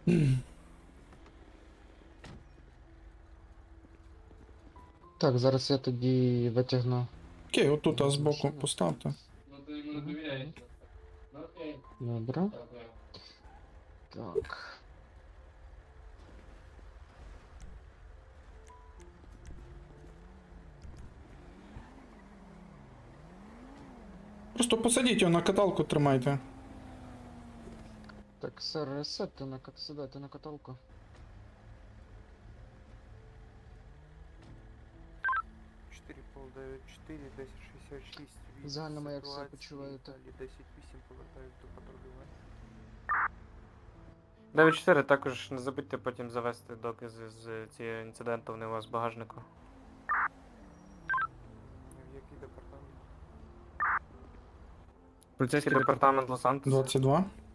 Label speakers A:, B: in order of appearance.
A: Так, зараз я тоді витягну.
B: Окей, отут
A: його з
B: збоку
A: машини.
B: поставте.
A: Добре. Так.
B: Просто посадіть його на каталку, тримайте.
A: Так, сер, сідайте на каталку.
C: 4,9,4, 1066, від
A: Загальному, як себе
C: ситуації,
A: почуваєте?
C: далі 10,8 повертаюсь до патрулювання.
D: 9-4, також не забудьте потім завести докази з цієї інциденту, вони у вас в багажнику.
C: В який департамент?
D: Поліцейський департамент Лос-Сантос.
B: 22.